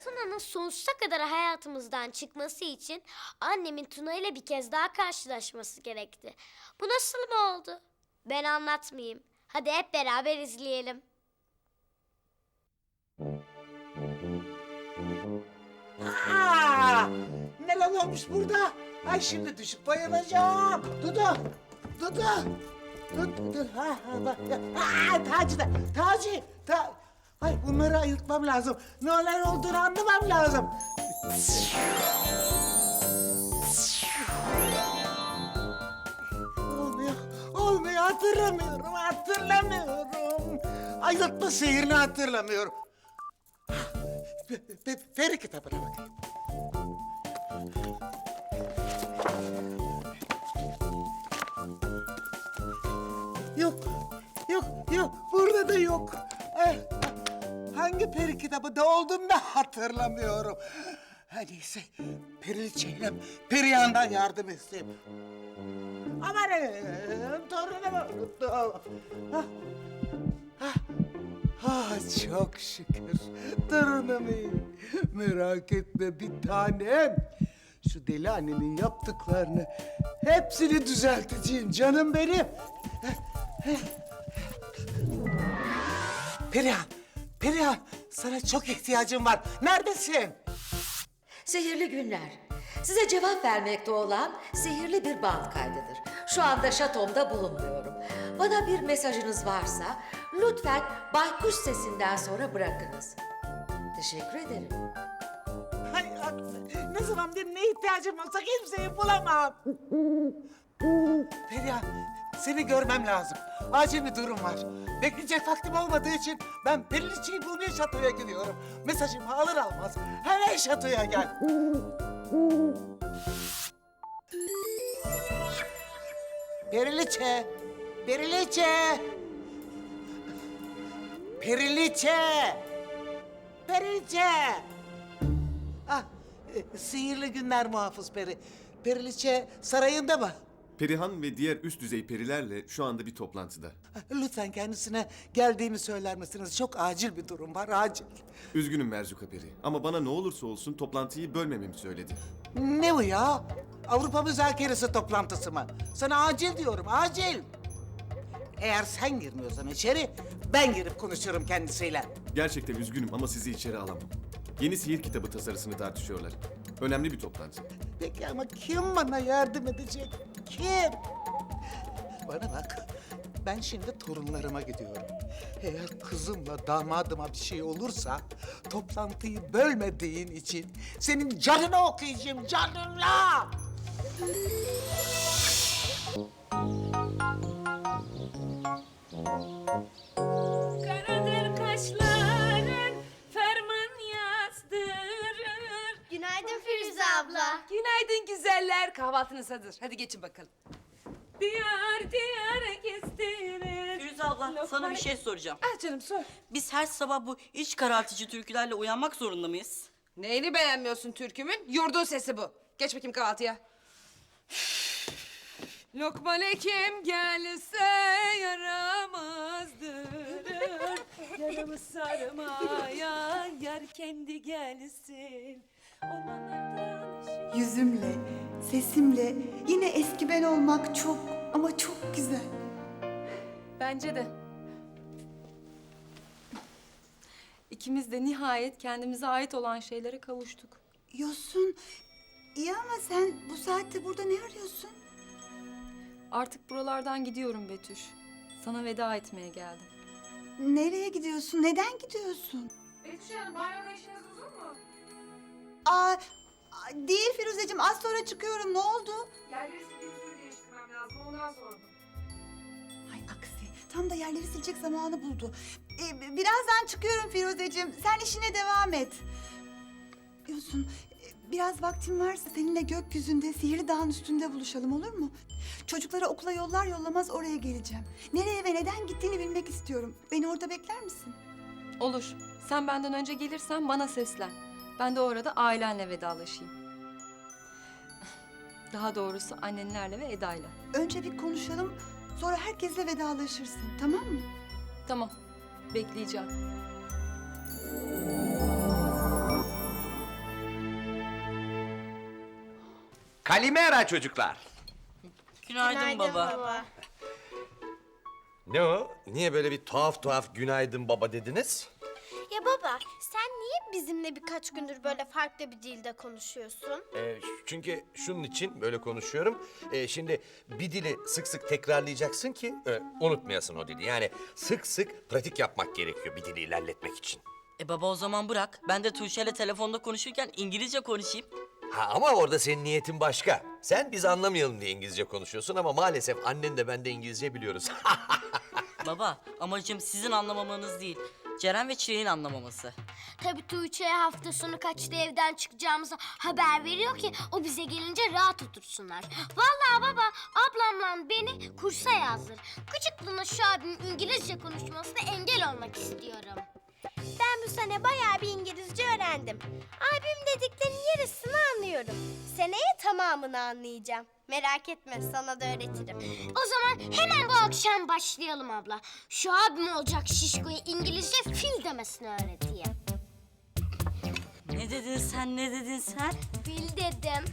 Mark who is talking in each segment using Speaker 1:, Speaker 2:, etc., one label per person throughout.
Speaker 1: Tuna'nın sonsuza kadar hayatımızdan çıkması için annemin Tuna ile bir kez daha karşılaşması gerekti. Bu nasıl mı oldu? Ben anlatmayayım. Hadi hep beraber izleyelim.
Speaker 2: Aa, neler olmuş burada? Ay şimdi düşüp bayılacağım. Dudu, Dudu. Dur. Bak. Taci da, Taci. Ay bunları ayıltmam lazım. Neler olduğunu anlamam lazım. Olmuyor, hatırlamıyorum. Ayıltma sihirini hatırlamıyorum. Peri kitabına bakayım. Yok, burada da yok. Hangi peri kitabında olduğunu da hatırlamıyorum. Her neyse, Periliçe'yle Perihan'dan yardım isteyeyim. Amanın, torunumu unuttum. Çok şükür. Torunum iyi. Merak etme bir tanem. Şu deli annenin yaptıklarını hepsini düzelteceğim canım benim. Perihan, sana çok ihtiyacım var. Neredesin?
Speaker 3: Sihirli günler. Size cevap vermekte olan sihirli bir band kaydıdır. Şu anda şatomda bulunmuyorum. Bana bir mesajınız varsa lütfen baykuş sesinden sonra bırakınız. Teşekkür ederim.
Speaker 2: Hay, ne zamandır ne ihtiyacım olsa kimseyi bulamam. Perihan, seni görmem lazım. Acil bir durum var. Bekleyecek vaktim olmadığı için ben Periliçe'yi bulmaya şatoya gidiyorum. Mesajımı alır almaz hemen şatoya gel. Periliçe! Periliçe! Periliçe! Periliçe! Sihirli günler muhafız peri. Periliçe sarayında mı?
Speaker 4: Perihan ve diğer üst düzey perilerle şu anda bir toplantıda.
Speaker 2: Lütfen kendisine geldiğimi söyler misiniz? Çok acil bir durum var, acil.
Speaker 4: Üzgünüm Merzuka Peri ama bana ne olursa olsun toplantıyı bölmememi söyledi.
Speaker 2: Ne bu ya? Avrupa müzakeresi toplantısı mı? Sana acil diyorum, acil. Eğer sen girmiyorsan içeri, ben girip konuşurum kendisiyle.
Speaker 4: Gerçekten üzgünüm ama sizi içeri alamam. Yeni sihir kitabı tasarısını tartışıyorlar. Önemli bir toplantı.
Speaker 2: Peki ama kim bana yardım edecek? Kim? Bana bak, ben şimdi torunlarıma gidiyorum. Eğer kızımla damadıma bir şey olursa... ...toplantıyı bölmediğin için senin canını okuyacağım, canınla!
Speaker 5: Karadır kaşların, ferman yazdırır.
Speaker 1: Günaydın Firuze abla.
Speaker 5: Günaydın güzeller, kahvaltınız hazır. Hadi geçin bakalım. Diyar diyar gezdirir.
Speaker 6: Firuze abla sana bir şey soracağım.
Speaker 5: Ah canım sor.
Speaker 6: Biz her sabah bu iç karartıcı türkülerle uyanmak zorunda mıyız?
Speaker 5: Neyini beğenmiyorsun türkümün? Yurdun sesi bu. Geç bakayım kahvaltıya. Lokman Hekim gelse yaramazdır. Yaramı sarmaya yar kendi gelsin. Ormanlardan
Speaker 7: Yüzümle, sesimle yine eski ben olmak çok ama çok güzel.
Speaker 8: Bence de. İkimiz de nihayet kendimize ait olan şeylere kavuştuk.
Speaker 7: Yosun, iyi ama sen bu saatte burada ne arıyorsun?
Speaker 8: Artık buralardan gidiyorum Betüş. Sana veda etmeye geldim.
Speaker 7: Nereye gidiyorsun? Neden gidiyorsun?
Speaker 5: Betüş Hanım, banyoda işiniz uzun mu?
Speaker 7: Değil Firuzeciğim, az sonra çıkıyorum. Ne oldu?
Speaker 5: Yerleri sildiğinizi değiştirmem lazım, ondan sordum.
Speaker 7: Ay aksi, tam da yerleri silecek zamanı buldu. Birazdan çıkıyorum Firuzeciğim. Sen işine devam et. Yosun, biraz vaktin varsa seninle gökyüzünde Sihirli Dağın üstünde buluşalım, olur mu? Çocukları okula yollar yollamaz oraya geleceğim. Nereye ve neden gittiğini bilmek istiyorum. Beni orada bekler misin?
Speaker 8: Olur. Sen benden önce gelirsen bana seslen. Ben de orada ailenle vedalaşayım. Daha doğrusu annenlerle ve Eda'yla.
Speaker 7: Önce bir konuşalım, sonra herkesle vedalaşırsın, tamam mı?
Speaker 8: Tamam. Bekleyeceğim.
Speaker 9: Kalimera çocuklar.
Speaker 6: Günaydın, baba.
Speaker 9: Ne o? Niye böyle bir tuhaf günaydın baba dediniz?
Speaker 10: Ya baba, sen niye bizimle birkaç gündür böyle farklı bir dilde konuşuyorsun?
Speaker 9: Çünkü şunun için böyle konuşuyorum. Şimdi bir dili sık sık tekrarlayacaksın ki unutmayasın o dili. Yani sık sık pratik yapmak gerekiyor bir dili ilerletmek için.
Speaker 6: Baba o zaman bırak. Ben de Tuğçe'yle telefonda konuşurken İngilizce konuşayım.
Speaker 9: Ha ama orada senin niyetin başka. Sen biz anlamayalım diye İngilizce konuşuyorsun ama maalesef annen de ben de İngilizce biliyoruz.
Speaker 6: Baba amacım sizin anlamamanız değil. Ceren ve Çilek'in anlamaması.
Speaker 1: Tabii Tuğçe'ye hafta sonu kaçta evden çıkacağımızı haber veriyor ki o bize gelince rahat otursunlar. Vallahi baba ablamla beni kursa yazdır. Küçüklüğüne şu abimin İngilizce konuşmasına engel olmak istiyorum.
Speaker 10: Ben bu sene bayağı bir İngilizce öğrendim. Abim dediklerinin yarısını anlıyorum. Seneye tamamını anlayacağım. Merak etme, sana da öğretirim.
Speaker 1: O zaman hemen bu akşam başlayalım abla. Şu abim olacak şişkoya İngilizce fil demesini öğreteyim.
Speaker 6: Ne dedin sen, ne dedin sen?
Speaker 1: Fil dedim.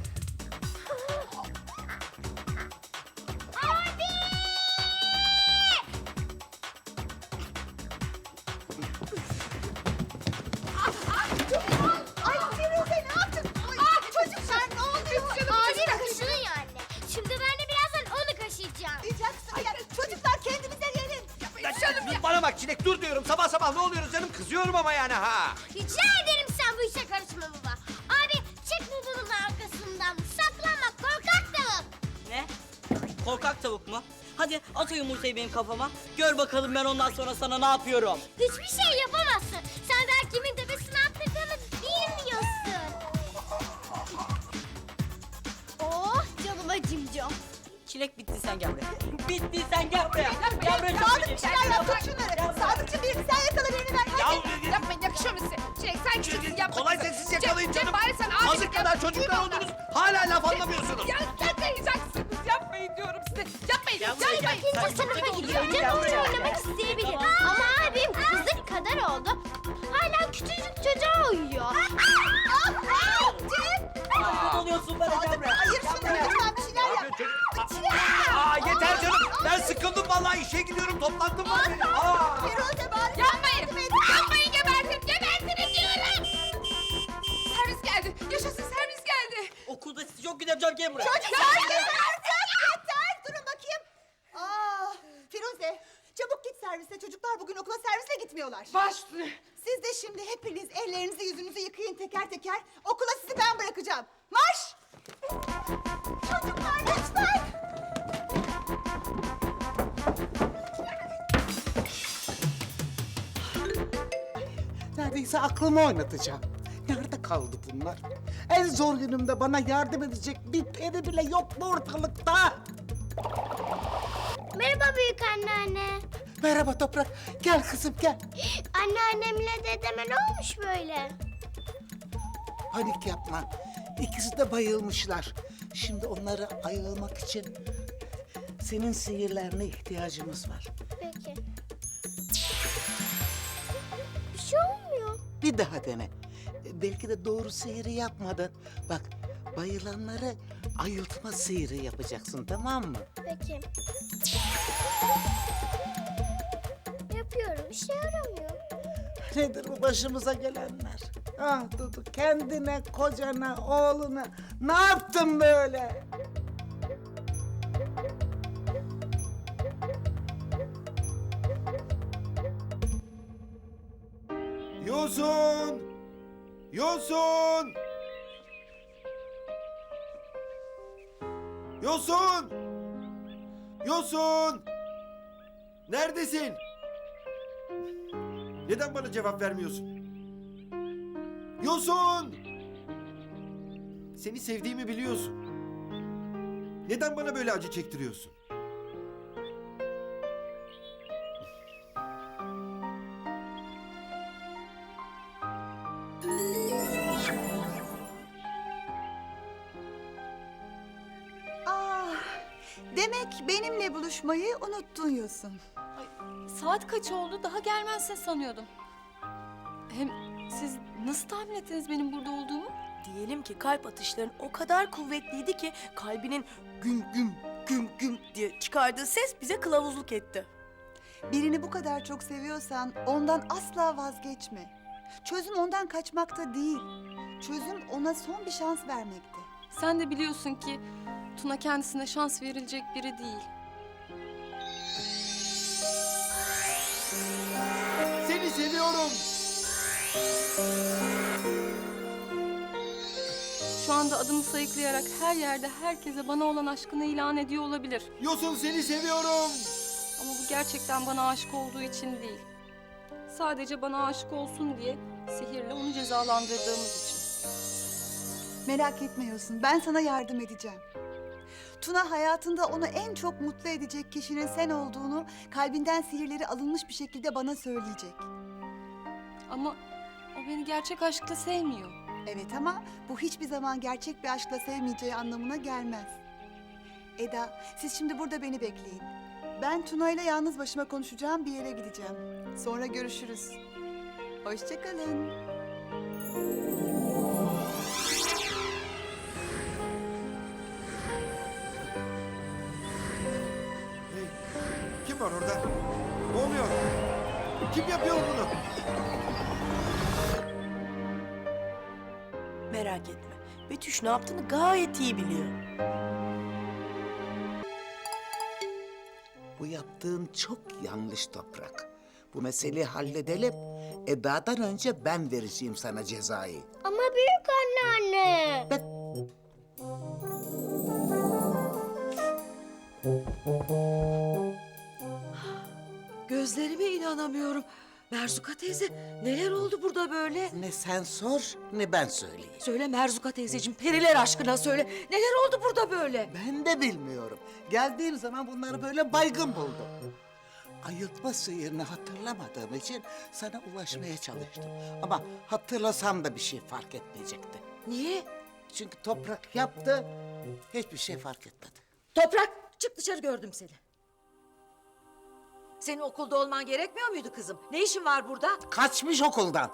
Speaker 7: Ay Firuze ne yaptın? Ay, çocuklar ne oluyor?
Speaker 1: Abim kaşınıyor anne. Şimdi ben de birazdan onu kaşıyacağım.
Speaker 7: Yapacaksın ya. Çocuklar kendinize gelin.
Speaker 9: Bana bak Çilek dur diyorum. Sabah sabah ne oluyoruz canım? Kızıyorum ama yani ha.
Speaker 1: Rica ederim sen bu işe karışma baba. Abi çek babanın arkasından. Saklanma korkak tavuk.
Speaker 6: Ne? Korkak tavuk mu? Hadi at o yumurtayı benim kafama. Gör bakalım ben ondan sonra sana ne yapıyorum.
Speaker 1: Hiçbir şey yapamazsın. Sen daha kimin tepesine attırdığını bilmiyorsun.
Speaker 10: Oh canıma cimcom.
Speaker 6: Çilek bitti sen gel buraya. Bitti sen gel buraya. Gel buraya.
Speaker 7: Sadık bir şeyler yap. Tut şunları. Sadıkçı birini sen yakala birini ver. Hadi.
Speaker 5: Yapmayın yakışıyor mu size? Çilek sen küçüksün yapma.
Speaker 9: Kolay sessiz yakalayın canım.
Speaker 5: Bari sen abi.
Speaker 9: Azıcık kadar çocuklar oldunuz. Hala laf anlamıyorsunuz.
Speaker 5: Ya yapmayacaksınız. Yapmayın diyorum size. Yapmayın. Yapmayın.
Speaker 1: İkinci sınıfa gidiyor. Canım oyun oynamak isteyebilir. Ama abim kızık kadar oldu. Hala küçücük çocuğa uyuyor.
Speaker 6: Ne oluyorsun bana gel buraya.
Speaker 7: Hayır şunları lütfen bir şeyler yap.
Speaker 9: Yeter canım. Ben sıkıldım vallahi işe gidiyorum. Toplantım var benim.
Speaker 7: Firuze bari.
Speaker 5: Yapmayın. Yapmayın gebertin. Gebertin diyorum. Servis geldi. Yaşasın servis geldi.
Speaker 6: Okulda sizi çok gideceğim gel buraya.
Speaker 7: Yeter. Durun bakayım. Firuze çabuk git servise. Çocuklar bugün okula servisle gitmiyorlar.
Speaker 5: Baş üstüne.
Speaker 7: Siz de şimdi hepiniz ellerinizi yüzünüzü yıkayın teker teker. Okula sizi ben bırakacağım. Marş! Çocuklar lütfen!
Speaker 2: Neredeyse aklımı oynatacağım. Nerede kaldı bunlar? En zor günümde bana yardım edecek bir peri bile yok mu ortalıkta?
Speaker 1: Merhaba büyük anneanne.
Speaker 2: Merhaba Toprak. Gel kızım gel.
Speaker 1: Anneannemle dedeme ne olmuş böyle?
Speaker 2: Panik yapma. İkisi de bayılmışlar. Şimdi onları ayılmak için senin sihirlerine ihtiyacımız var.
Speaker 1: Peki. Bir şey olmuyor.
Speaker 2: Bir daha dene. Belki de doğru sihiri yapmadın. Bak bayılanları ayıltma sihiri yapacaksın tamam mı?
Speaker 1: Peki. Yapıyorum. İşe yaramıyor.
Speaker 2: Nedir bu başımıza gelenler? Ah Dudu kendine, kocana, oğluna ne yaptın böyle?
Speaker 4: Yosun! Yosun! Yosun! Yosun! Neredesin? Neden bana cevap vermiyorsun? Yosun! Seni sevdiğimi biliyorsun. Neden bana böyle acı çektiriyorsun?
Speaker 7: Demek benimle buluşmayı unuttun Yosun.
Speaker 8: Saat kaç oldu? Daha gelmezsin sanıyordum. Hem siz nasıl tahmin ettiniz benim burada olduğumu?
Speaker 11: Diyelim ki kalp atışların o kadar kuvvetliydi ki kalbinin güm güm güm güm diye çıkardığı ses bize kılavuzluk etti.
Speaker 7: Birini bu kadar çok seviyorsan ondan asla vazgeçme. Çözüm ondan kaçmakta değil. Çözüm ona son bir şans vermekte.
Speaker 8: Sen de biliyorsun ki Tuna kendisine şans verilecek biri değil.
Speaker 12: Seni seviyorum.
Speaker 8: Şu anda adımı sayıklayarak her yerde herkese bana olan aşkını ilan ediyor olabilir.
Speaker 12: Yosun seni seviyorum.
Speaker 8: Ama bu gerçekten bana aşık olduğu için değil. Sadece bana aşık olsun diye sihirle onu cezalandırdığımız için.
Speaker 7: Merak etme Yosun, ben sana yardım edeceğim. Tuna hayatında onu en çok mutlu edecek kişinin sen olduğunu kalbinden sihirleri alınmış bir şekilde bana söyleyecek.
Speaker 8: Ama o beni gerçek aşkla sevmiyor.
Speaker 7: Evet ama bu hiçbir zaman gerçek bir aşkla sevmeyeceği anlamına gelmez. Eda, siz şimdi burada beni bekleyin. Ben Tuna ile yalnız başıma konuşacağım bir yere gideceğim. Sonra görüşürüz. Hoşça kalın.
Speaker 12: Hey, kim var orada? Ne oluyor? Kim yapıyor bunu?
Speaker 11: Merak etme. Betüş ne yaptığını gayet iyi biliyor.
Speaker 2: Bu yaptığın çok yanlış Toprak. Bu meseleyi halledelim. Eda'dan önce ben vereceğim sana cezayı.
Speaker 1: Ama büyük anneanne.
Speaker 3: Gözlerime inanamıyorum. Merzuka teyze, neler oldu burada böyle?
Speaker 2: Ne sen sor ne ben söyleyeyim.
Speaker 3: Söyle Merzuka teyzeciğim, periler aşkına söyle. Neler oldu burada böyle?
Speaker 2: Ben de bilmiyorum. Geldiğim zaman bunları böyle baygın buldum. Ayıltma sihirini hatırlamadığım için sana ulaşmaya çalıştım. Ama hatırlasam da bir şey fark etmeyecekti.
Speaker 3: Niye?
Speaker 2: Çünkü Toprak yaptı, hiçbir şey fark etmedi.
Speaker 3: Toprak, çık dışarı, gördüm seni. Senin okulda olman gerekmiyor muydu kızım? Ne işin var burada?
Speaker 2: Kaçmış okuldan.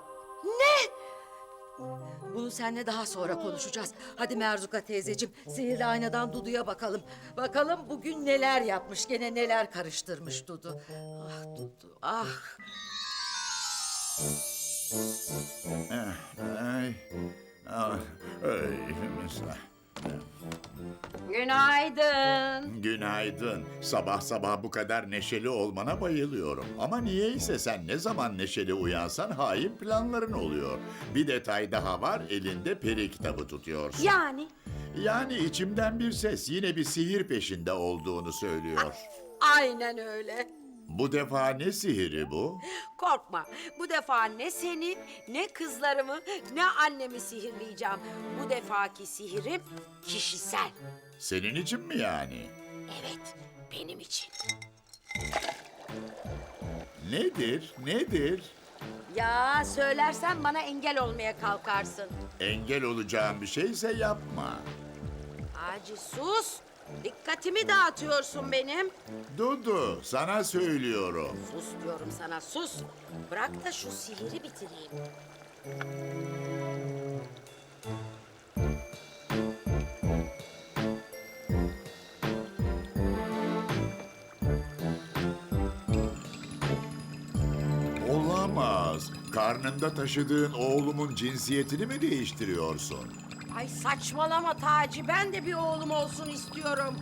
Speaker 3: Bunu seninle daha sonra konuşacağız. Hadi Merzuka teyzeciğim, sihirli aynadan Dudu'ya bakalım. Bakalım bugün neler yapmış, gene neler karıştırmış Dudu. Ah Dudu, ah.
Speaker 12: Ay. Mesela.
Speaker 3: Günaydın.
Speaker 12: Günaydın. Sabah sabah bu kadar neşeli olmana bayılıyorum. Ama niyeyse sen ne zaman neşeli uyansan hain planların oluyor. Bir detay daha var, elinde peri kitabı tutuyorsun.
Speaker 3: Yani?
Speaker 12: Yani içimden bir ses yine bir sihir peşinde olduğunu söylüyor.
Speaker 13: Aynen öyle.
Speaker 12: Bu defa ne sihiri bu?
Speaker 13: Korkma. Bu defa ne seni, ne kızlarımı, ne annemi sihirleyeceğim. Bu defaki sihirim kişisel.
Speaker 12: Senin için mi yani?
Speaker 13: Evet, benim için.
Speaker 12: Nedir, nedir?
Speaker 13: Ya söylersen bana engel olmaya kalkarsın.
Speaker 12: Engel olacağım bir şeyse yapma.
Speaker 13: Hacı sus. Dikkatimi dağıtıyorsun benim.
Speaker 12: Dudu, sana söylüyorum.
Speaker 13: Sus diyorum sana, sus. Bırak da şu sihiri bitireyim.
Speaker 12: Olamaz. Karnında taşıdığın oğlumun cinsiyetini mi değiştiriyorsun?
Speaker 13: Ay saçmalama Taci. Ben de bir oğlum olsun istiyorum.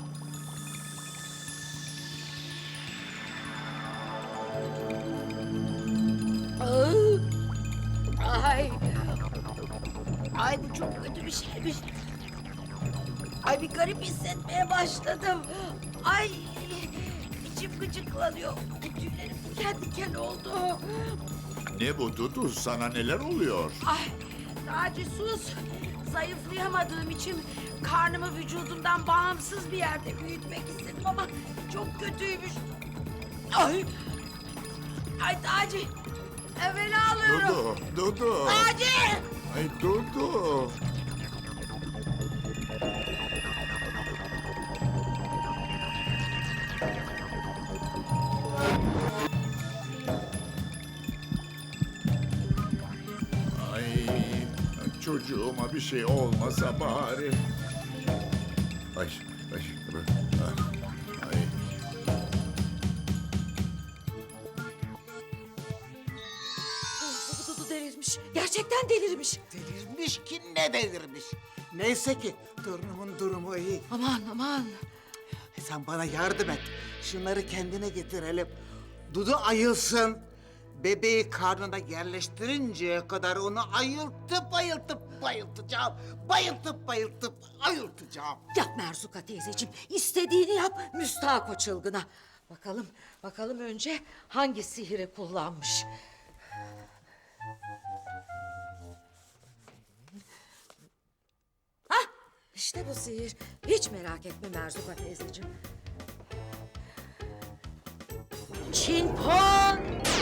Speaker 13: Ay. Ay bu çok kötü bir şeymiş. Ay bir garip hissetmeye başladım. Ay içim gıcıklanıyor. Tüylerim diken diken oldu.
Speaker 12: Ne bu Dudu? Sana neler oluyor?
Speaker 13: Ay Taci sus. Zayıflayamadığım için karnımı vücudumdan bağımsız bir yerde büyütmek istedim ama çok kötüymüş. Ay. Ay Taci. Evvela alıyorum.
Speaker 12: Dudu, Dudu.
Speaker 13: Taci.
Speaker 12: Ay Dudu. Ay çocuğuma bir şey olmasa bari. Ay, ay, ay.
Speaker 3: Dudu delirmiş. Gerçekten delirmiş.
Speaker 2: Delirmiş ki ne delirmiş. Neyse ki torunumun durumu iyi.
Speaker 3: Aman aman.
Speaker 2: Sen bana yardım et. Şunları kendine getirelim. Dudu ayılsın. Bebeği karnına yerleştirinceye kadar onu ayıltıp bayıltacağım. Bayıltıp ayıltacağım.
Speaker 3: Yap Merzuka teyzeciğim. İstediğini yap müstahak o çılgına. Bakalım önce hangi sihiri kullanmış. Hah, işte bu sihir. Hiç merak etme Merzuka teyzeciğim. Çinpon!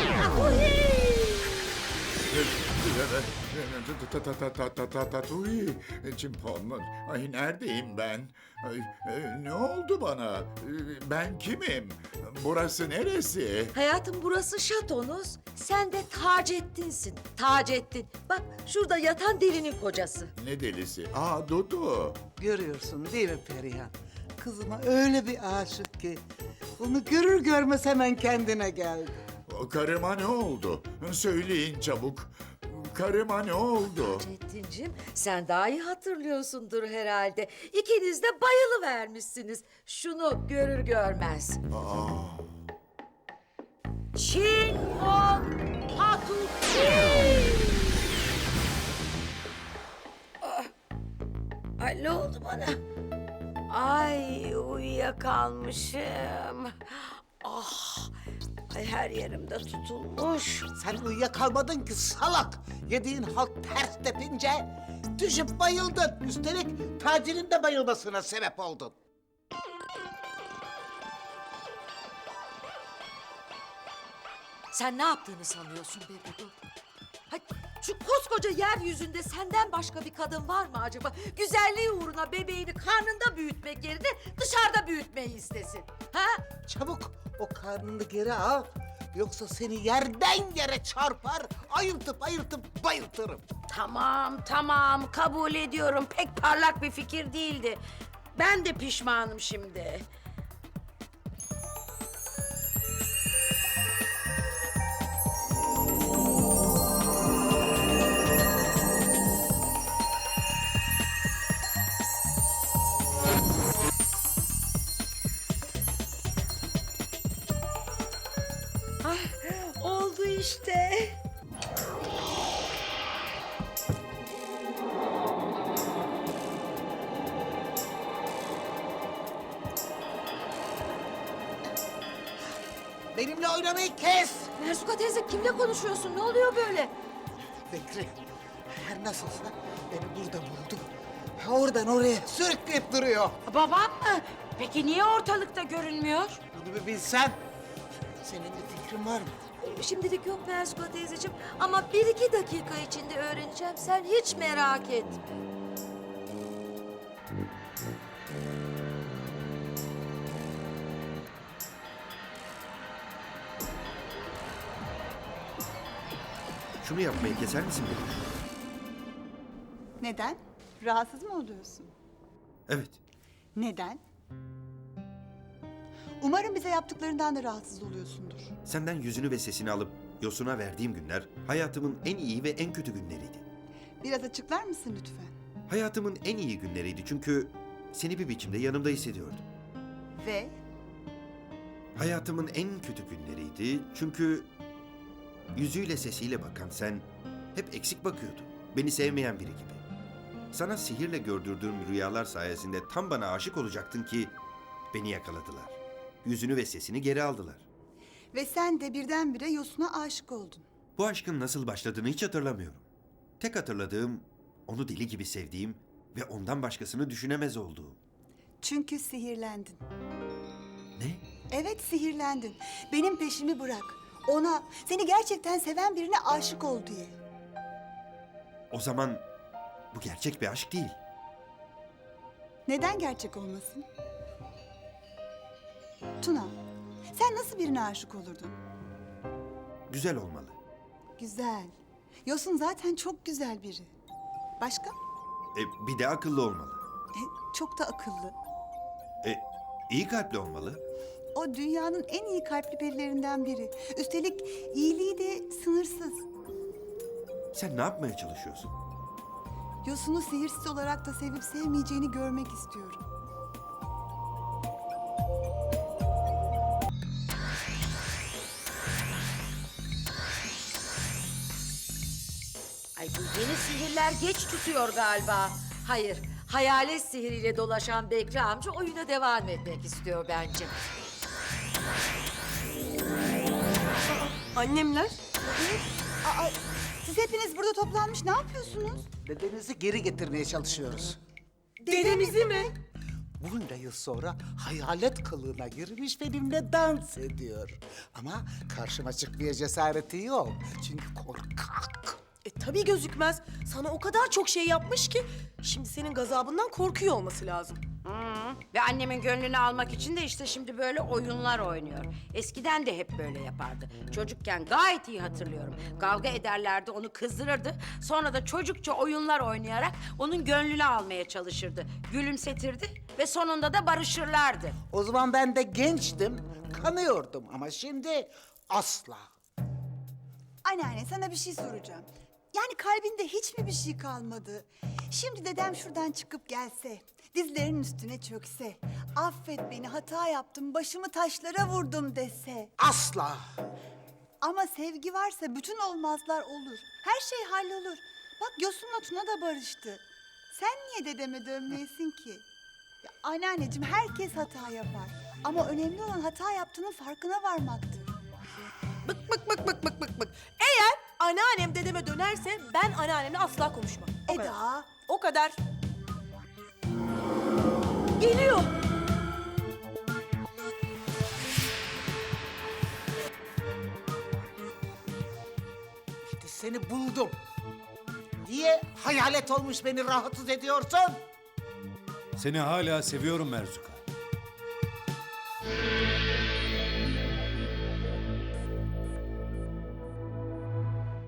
Speaker 12: Uy, Çimpon. Ay neredeyim ben? Ay, ne oldu bana? Ben kimim? Burası neresi?
Speaker 3: Hayatım burası şatonuz. Sen de Taceddin'sin. Taceddin. Bak şurada yatan delinin kocası.
Speaker 12: Ne delisi? Aa Dudu.
Speaker 2: Görüyorsun değil mi Perihan? Kızıma öyle bir aşık ki. Onu görür görmez hemen kendine geldi.
Speaker 12: O karıma ne oldu? Söyleyin çabuk. Karıma ne oldu?
Speaker 3: Taceddin'cim sen daha iyi hatırlıyorsundur herhalde. İkiniz de bayılıvermişsiniz. Şunu görür görmez.
Speaker 12: Aa.
Speaker 3: Çinpon Patuki!
Speaker 13: Ay ne oldu bana? Ay uyuyakalmışım. Ah, ay her yerimde tutulmuş.
Speaker 2: Sen uyuyakalmadın ki salak. Yediğin halt ters tepince düşüp bayıldın. Üstelik tacinin de bayılmasına sebep oldun.
Speaker 3: Sen ne yaptığını sanıyorsun be Dudu? Hay, şu koskoca yeryüzünde senden başka bir kadın var mı acaba? Güzelliği uğruna bebeğini karnında büyütmek yerine dışarıda büyütmeyi istesin. Ha?
Speaker 2: Çabuk o karnını geri al. Yoksa seni yerden yere çarpar, ayıltıp bayıltırım.
Speaker 13: Tamam kabul ediyorum. Pek parlak bir fikir değildi. Ben de pişmanım şimdi. Oldu işte.
Speaker 2: Benimle oynamayı kes.
Speaker 3: Merzuka teyze kimle konuşuyorsun? Ne oluyor böyle?
Speaker 2: Bekri, her nasılsa beni burada buldu. Oradan oraya sürükleyip duruyor.
Speaker 13: Babam mı? Peki niye ortalıkta görünmüyor?
Speaker 2: Bunu bir bilsen. Senin bir fikrin var mı?
Speaker 3: Şimdilik yok Merzuka teyzeciğim ama 1-2 dakika içinde öğreneceğim. Sen hiç merak etme.
Speaker 14: Şunu yapmayı keser misin beni?
Speaker 7: Neden? Rahatsız mı oluyorsun?
Speaker 14: Evet.
Speaker 7: Neden? Umarım bize yaptıklarından da rahatsız oluyorsundur.
Speaker 14: Senden yüzünü ve sesini alıp Yosun'a verdiğim günler hayatımın en iyi ve en kötü günleriydi.
Speaker 7: Biraz açıklar mısın lütfen?
Speaker 14: Hayatımın en iyi günleriydi çünkü seni bir biçimde yanımda hissediyordum.
Speaker 7: Ve
Speaker 14: Hayatımın en kötü günleriydi çünkü yüzüyle sesiyle bakan sen hep eksik bakıyordun. Beni sevmeyen biri gibi. Sana sihirle gördürdüğüm rüyalar sayesinde tam bana aşık olacaktın ki beni yakaladılar. Yüzünü ve sesini geri aldılar.
Speaker 7: ve sen de birdenbire Yosun'a aşık oldun.
Speaker 14: Bu aşkın nasıl başladığını hiç hatırlamıyorum. Tek hatırladığım onu deli gibi sevdiğim ve ondan başkasını düşünemez olduğum.
Speaker 7: Çünkü sihirlendin.
Speaker 14: Ne?
Speaker 7: Evet sihirlendin. Benim peşimi bırak. Ona, seni gerçekten seven birine aşık ol diye.
Speaker 14: O zaman bu gerçek bir aşk değil.
Speaker 7: Neden gerçek olmasın? Tuna, sen nasıl birine aşık olurdun?
Speaker 14: Güzel olmalı.
Speaker 7: Güzel. Yosun zaten çok güzel biri. Başka?
Speaker 14: Bir de akıllı olmalı.
Speaker 7: Çok da akıllı.
Speaker 14: İyi kalpli olmalı.
Speaker 7: O dünyanın en iyi kalpli perilerinden biri. Üstelik iyiliği de sınırsız.
Speaker 14: Sen ne yapmaya çalışıyorsun?
Speaker 7: Yosun'u sihirsiz olarak da sevip sevmeyeceğini görmek istiyorum.
Speaker 3: Ay bu yeni sihirler geç tutuyor galiba. Hayır, hayalet sihiriyle dolaşan Bekri amca oyuna devam etmek istiyor bence.
Speaker 11: Annemler?
Speaker 7: Siz hepiniz burada toplanmış ne yapıyorsunuz?
Speaker 2: Dedenizi geri getirmeye çalışıyoruz.
Speaker 11: Dedemizi mi?
Speaker 2: Bunca yıl sonra hayalet kılığına girmiş benimle dans ediyor. Ama karşıma çıkmaya cesareti yok. Çünkü korkak.
Speaker 11: Tabii gözükmez. Sana o kadar çok şey yapmış ki şimdi senin gazabından korkuyor olması lazım.
Speaker 13: Ve annemin gönlünü almak için de işte şimdi böyle oyunlar oynuyor. Eskiden de hep böyle yapardı. Çocukken gayet iyi hatırlıyorum. Kavga ederlerdi, onu kızdırırdı. Sonra da çocukça oyunlar oynayarak onun gönlünü almaya çalışırdı. Gülümsetirdi ve sonunda da barışırlardı.
Speaker 2: O zaman ben de gençtim, kanıyordum ama şimdi asla.
Speaker 7: Anneanne sana bir şey soracağım. Yani kalbinde hiç mi bir şey kalmadı? Şimdi dedem şuradan çıkıp gelse, dizlerinin üstüne çökse, affet beni hata yaptım, başımı taşlara vurdum dese.
Speaker 2: Asla.
Speaker 7: Ama sevgi varsa bütün olmazlar olur. Her şey hallolur. Bak Yosun'la Tuna da barıştı. Sen niye dedeme dönmeyesin ki? Ya anneanneciğim herkes hata yapar. Ama önemli olan hata yaptığının farkına varmaktır.
Speaker 11: Bık. Eğer anneannem dedeme dönerse ben anneannemle asla konuşmam. O kadar.
Speaker 7: Eda.
Speaker 11: O kadar. Geliyor.
Speaker 2: İşte seni buldum. Niye hayalet olmuş beni rahatsız ediyorsun?
Speaker 15: Seni hala seviyorum Merzuka.